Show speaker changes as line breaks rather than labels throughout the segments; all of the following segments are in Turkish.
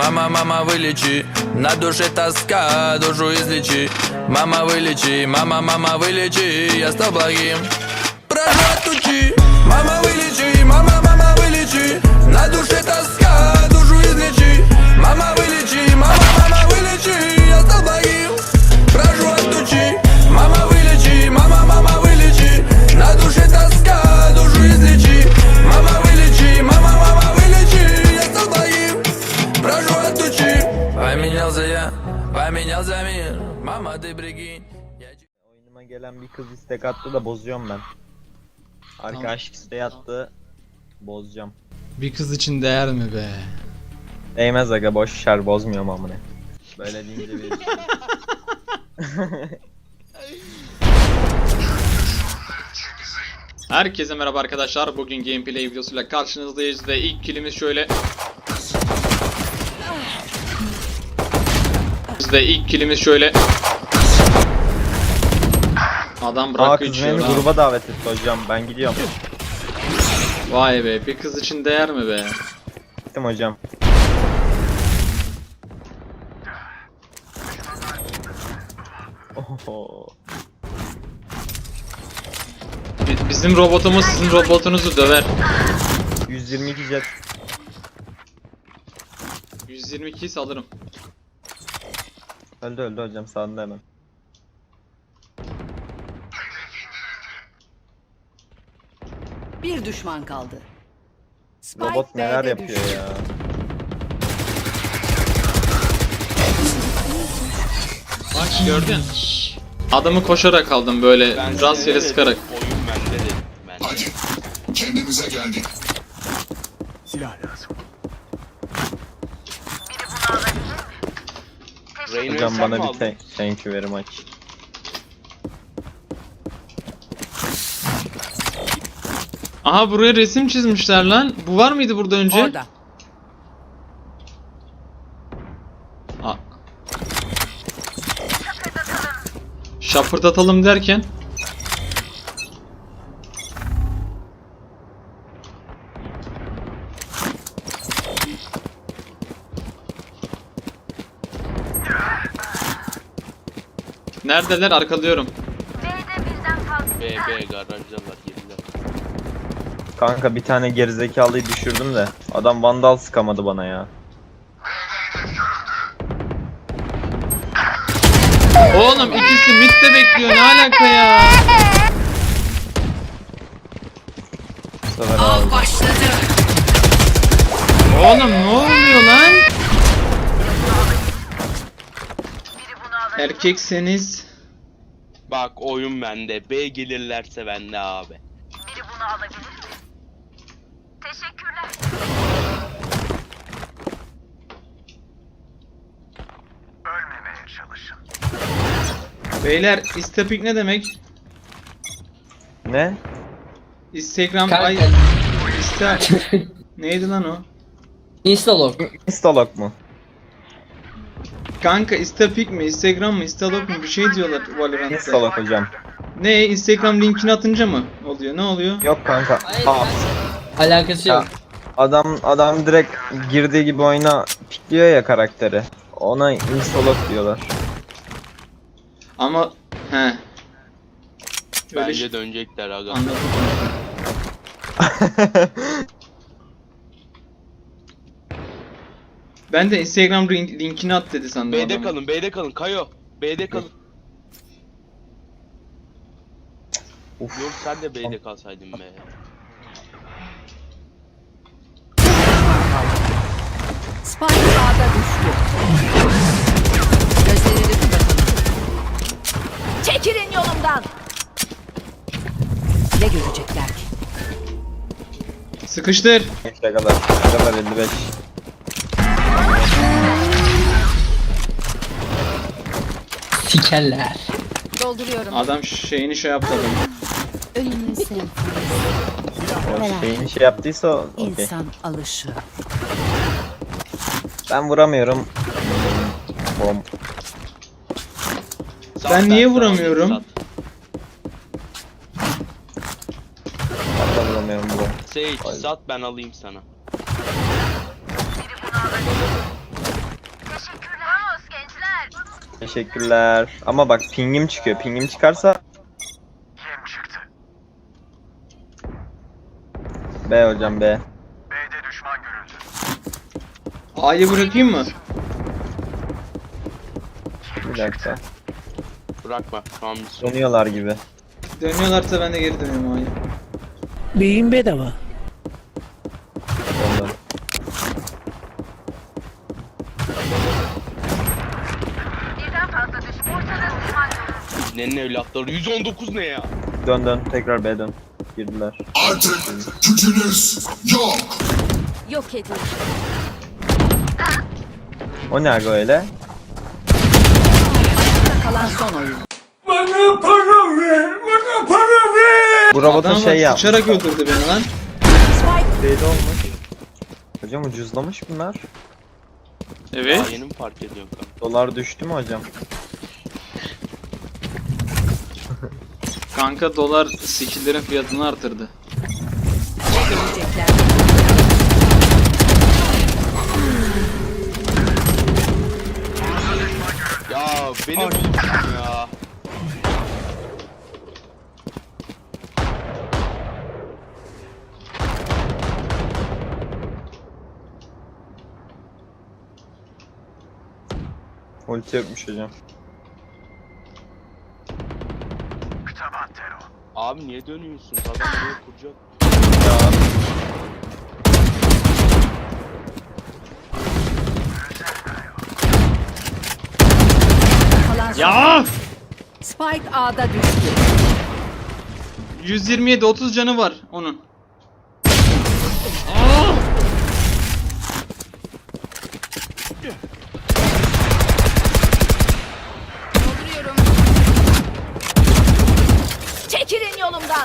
мама, вылечи. На душе тоска, душу излечи. Мама, вылечи, мама, вылечи. Я стал благим, прошу от тучи. Мама, вылечи, мама, вылечи. На душе тоска, душу излечи. Мама, вылечи, мама, вылечи. Я стал благим, прошу от тучи. Мама, вылечи, мама, вылечи. На душе тоска, душу излечи. Мама, вылечи, мама, вылечи. Я стал благим, прошу от тучи. Поменялся мир. Mama, ты прикинь.
Oyunuma gelen bir kız istek attı da bozuyorum ben. Arkadaşlık isteği attı. Bozacağım.
Bir kız için değer mi be?
Değmez aga, boş ver, bozmuyorum amına. Böyle deyince bir
Herkese merhaba arkadaşlar. Bugün gameplay videosuyla karşınızdayız ve ilk killimiz şöyle. Adam bırakıyor
kız
içiyor
beni
ha.
gruba davet etti hocam, ben gidiyorum.
Vay be, bir kız için değer mi be?
Gittim hocam. Oho.
Bizim robotumuz sizin robotunuzu döver.
122 jet.
122'yi salırım.
Öldü hocam, sağında hemen.
Bir düşman kaldı.
Robot neler
B'de
yapıyor
düştü.
ya.
Bak gördün. Adamı koşarak aldım böyle rastgele sıkarak.
Oyun bende dedim ben.
Hadi kendimize geldik.
Rain'ı
Hocam
sen mi
bana bir
aldın?
thank you very much.
Aha, buraya resim çizmişler lan. Bu var mıydı burada önce?
Orada.
Aa. Şapırdatalım derken. Neredeler? Arkalıyorum.
B garajdalar girdiler.
Kanka bir tane gerizekalıyı düşürdüm de adam vandal sıkamadı bana ya.
Oğlum ikisi midde bekliyor. Ne alaka ya?
Bu sefer aldı.
Başladı.
Oğlum ne oluyor lan? Erkekseniz
Bak oyun bende. B gelirlerse bende abi.
Biri bunu alabilir mi? Teşekkürler. Ölmemeye çalışın.
beyler, istepik ne demek?
Ne?
Instagram ay Insta neydi lan o?
Instalog.
Instalog mu?
Kanka istepik mi, Instagram mı, Instalog mu bir şey diyorlar Valorant'ta.
Instalog hocam.
Ne, Instagram linkini atınca mı oluyor? Ne oluyor?
Yok kanka.
Hayır,
Aa,
Alakası yok.
adam direkt girdiği gibi oyuna pikliyor ya karakteri. Ona instalog diyorlar.
Ama he. Öyle
Bence dönecekler aga.
Anladım. Ben de Instagram linkini at dedi sandım.
B'de
adamı.
kalın, B'de kalın. Kayo. B'de kalın.
Uf.
Yok sen de B'de kalsaydın be.
Spike A'da düştü. Gözlerini kapatalım. Çekilin yolumdan. Ne görecekler ki?
Sıkıştır.
Ne kadar 55.
Sikerler.
Dolduruyorum.
Adam şeyini şey yaptı adamı.
Ölümün senfoni.
O şeyini şey yaptıysa okey.
İnsan alışı.
Ben vuramıyorum. Bom.
Sat,
Ben niye
sana
vuramıyorum?
sat.
Ben de vuramıyorum bom.
Sage
Vay.
sat ben alayım sana.
Teşekkürler. Ama bak pingim çıkıyor. Pingim çıkarsa
Yem çıktı.
B hocam B.
B'de düşman görüldü.
A'yı bırakayım mı?
Bir dakika.
Bırakma. Tamam biz.
Dönüyorlar gibi.
Dönüyorlarsa ben de geri dönüyorum A'ya.
Beyin bedava.
Döndüm.
Birden fazla düşman ortada düşman görüldü.
Nenin evlatları 119 ne ya?
Dön dön. Tekrar B dön. Girdiler.
Artık gücünüz yok.
Yok edin.
O ne aga öyle?
Kalan son oyun.
Bu robotun
Adam
şey yap.
sıçarak öldürdü beni lan.
B'de olmuş. Hocam ucuzlamış bunlar.
Evet.
Daha yeni mi fark ediyor kanka?
Dolar düştü mü hocam?
Kanka dolar skill'lerin fiyatını artırdı.
Ne görecekler?
Ya benim bulmuşum ya.
Ulti yokmuş hocam.
Kıtaban terör.
Abi niye dönüyorsunuz? Adam buraya kuracak.
Kalan son.
Ya!
Spike A'da düştü.
127 30 canı var onun.
Dolduruyorum. Çekilin yolumdan.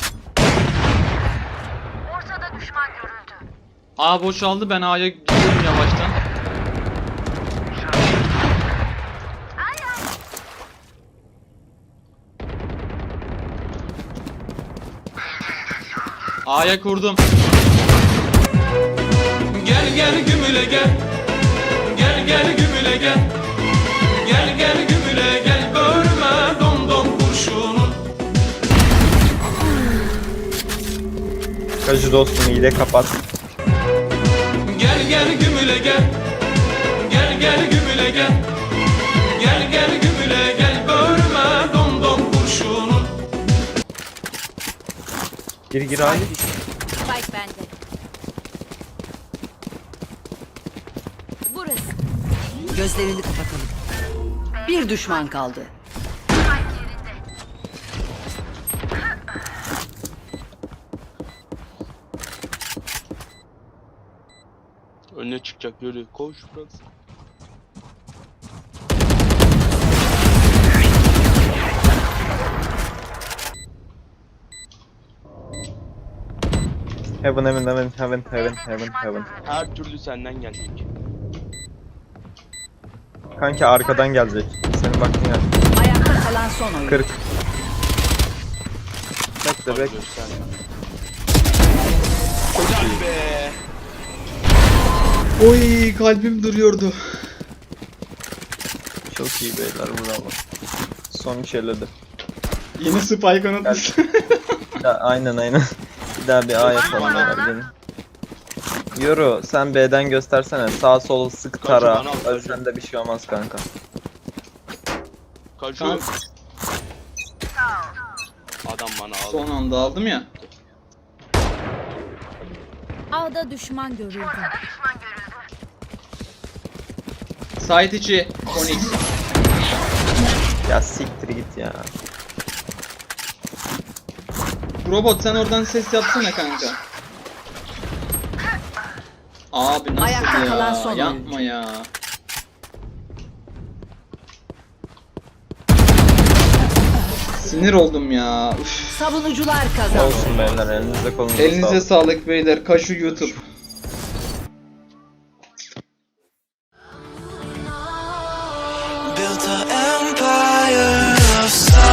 Ortada düşman görüldü.
A boşaldı, ben A'ya gidiyorum yavaştan. A'ya kurdum.
Gel gel gümüle gel. Gel gel gümüle gel. Gel gel gümüle gel. Bölme dom dom kurşunun.
Kacı dostum iyi de kapat.
Gel gel gümüle gel. Gel gel gümüle gel. Gel gel gümüle gel. Bölme dom dom kurşunun.
Gir abi.
Spike bende. Burası. Gözlerini kapatalım. Bir düşman kaldı.
Önüne çıkacak yürü. Koş burası.
Heaven heaven heaven heaven heaven heaven heaven.
Her türlü senden gelecek.
Kanki arkadan gelecek. Senin baktığın yer.
Ayakta kalan son oyun.
40. Bekle
Bak
bekle.
gösterme. Güzel be.
Oy, kalbim duruyordu.
Çok iyi beyler bravo. Son içerledi.
Yeni spike unutmuş.
Aynen aynen. Bir daha bir A yapalım beyler gelin. Yoru sen B'den göstersene. Sağ sol sık tara.
Kaçı bana al,
Ölsen de bir şey olmaz kanka.
Kaçıyor. Adam bana aldı.
Son anda aldım ya.
A'da düşman görüldü.
Düşman görüldü.
Site içi Onyx.
Ya siktir git ya.
Robot sen oradan ses yapsana kanka. Abi nasıl
Ayakta kalan
ya?
son
Yapma ya. Sinir oldum ya. Üf.
Savunucular kazandı.
Olsun beyler elinize kolunuza
Elinize
sağlık.
sağlık beyler. Kaşu YouTube.
Built an empire of silence.